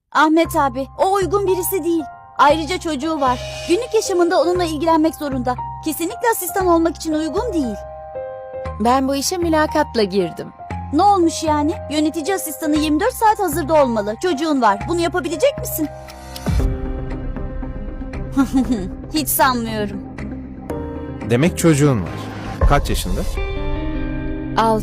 Ahmet abi, o uygun birisi değil. Ayrıca çocuğu var. Günlük yaşamında onunla ilgilenmek zorunda. Kesinlikle asistan olmak için uygun değil. Ben bu işe mülakatla girdim. Ne olmuş yani? Yönetici asistanı 24 saat hazırda olmalı. Çocuğun var. Bunu yapabilecek misin? Hiç sanmıyorum. Demek çocuğun var. Kaç yaşında? 6.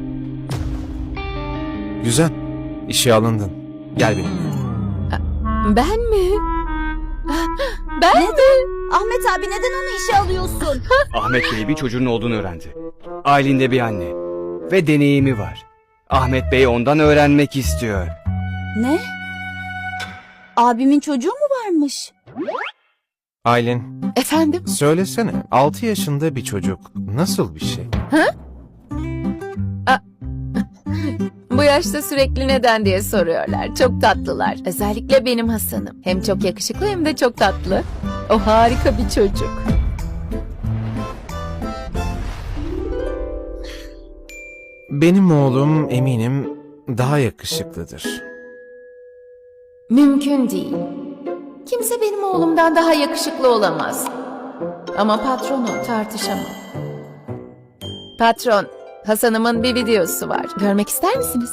Güzel. İşe alındın. Gel benimle. Ben mi? Ben mi? Ahmet abi neden onu işe alıyorsun? Ahmet Bey bir çocuğun olduğunu öğrendi. Ailinde bir anne. Ve deneyimi var. Ahmet Bey ondan öğrenmek istiyor. Ne? Abimin çocuğu mu varmış? Aylin, Efendim? söylesene. 6 yaşında bir çocuk nasıl bir şey? Bu yaşta sürekli neden diye soruyorlar. Çok tatlılar. Özellikle benim Hasan'ım. Hem çok yakışıklı hem de çok tatlı. O harika bir çocuk. Benim oğlum eminim daha yakışıklıdır. Mümkün değil. Kimse benim oğlumdan daha yakışıklı olamaz. Ama patronu tartışamam. Patron, Hasan'ımın bir videosu var. Görmek ister misiniz?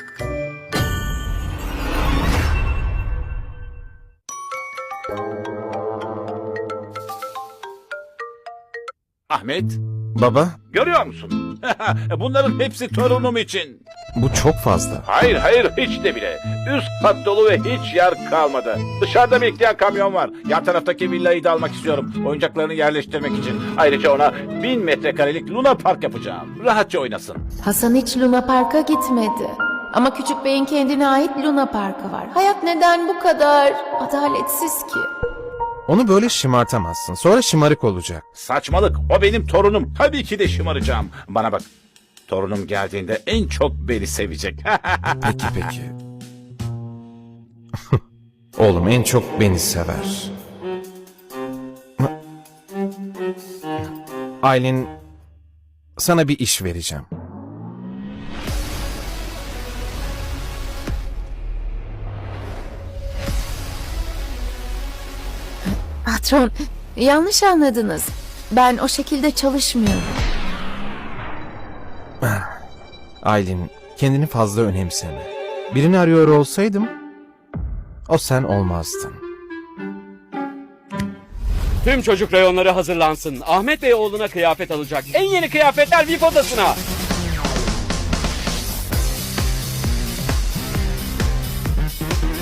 Ahmet, Baba, görüyor musun? Bunların hepsi torunum için. bu çok fazla. Hayır, hiç de bile. Üst kat dolu ve hiç yer kalmadı. Dışarıda bekleyen kamyon var. Yan taraftaki villayı da almak istiyorum. Oyuncaklarını yerleştirmek için. Ayrıca ona 1000 metrekarelik Luna Park yapacağım. Rahatça oynasın. Hasan hiç Luna Park'a gitmedi. Ama Küçük Bey'in kendine ait Luna Park'ı var. Hayat neden bu kadar adaletsiz ki? Onu böyle şımartamazsın. Sonra şımarık olacak. Saçmalık. O benim torunum. Tabii ki de şımaracağım. Bana bak. Torunum geldiğinde en çok beni sevecek. Peki. Oğlum en çok beni sever. Aylin, sana bir iş vereceğim. Patron, yanlış anladınız. Ben o şekilde çalışmıyorum. Aylin, kendini fazla önemseme. Birini arıyor olsaydım, o sen olmazdın. Tüm çocuk reyonları hazırlansın. Ahmet Bey oğluna kıyafet alacak. En yeni kıyafetler VIP odasına.